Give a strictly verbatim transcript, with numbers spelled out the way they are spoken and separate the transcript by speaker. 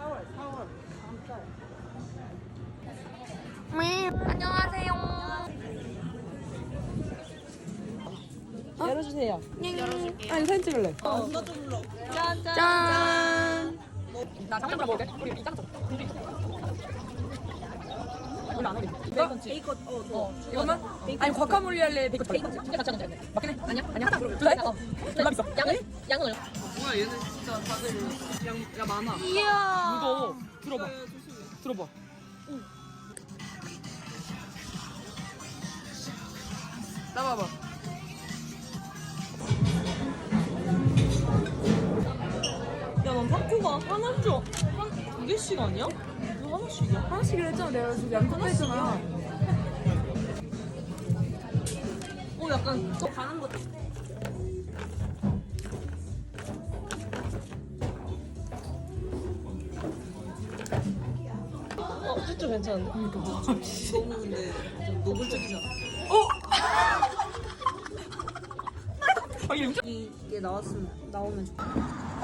Speaker 1: 안녕하세요.
Speaker 2: 열어주세요. 열어줄게요. 아니 사진 찍을래. 어.
Speaker 1: 짠.
Speaker 2: 나 장난감 먹을게. 우리 이 짱. 원래 안 하게. 베이컨 치. 베이컨 어 좋아. 이거는? 아니 과카몰리 할래. 베이컨 베이컨 치. 두개 같이 하면 되는데. 맞긴 해. 아니야? 아니야. 하나 그러면. 둘 다? 어. 둘다 있어. 양은? 양은 얼마?
Speaker 3: 뭐야 얘는 진짜 다들 양, 야 많아.
Speaker 1: 이야.
Speaker 2: 무거워. 들어봐. 들어봐. 나봐봐. 야, 넌 타코가 하나 줘. 한, 두 개씩 아니야? 왜 하나씩이야? 하나씩이라 했잖아. 내가 지금 양쪽 했잖아. 어, 약간 또 가는 거. 어, 진짜 괜찮은데? 그러니까.
Speaker 3: 너무 근데 좀 노골적이잖아.
Speaker 2: 어? 아, 이게
Speaker 3: 이게 나왔으면 나오면 좋겠다.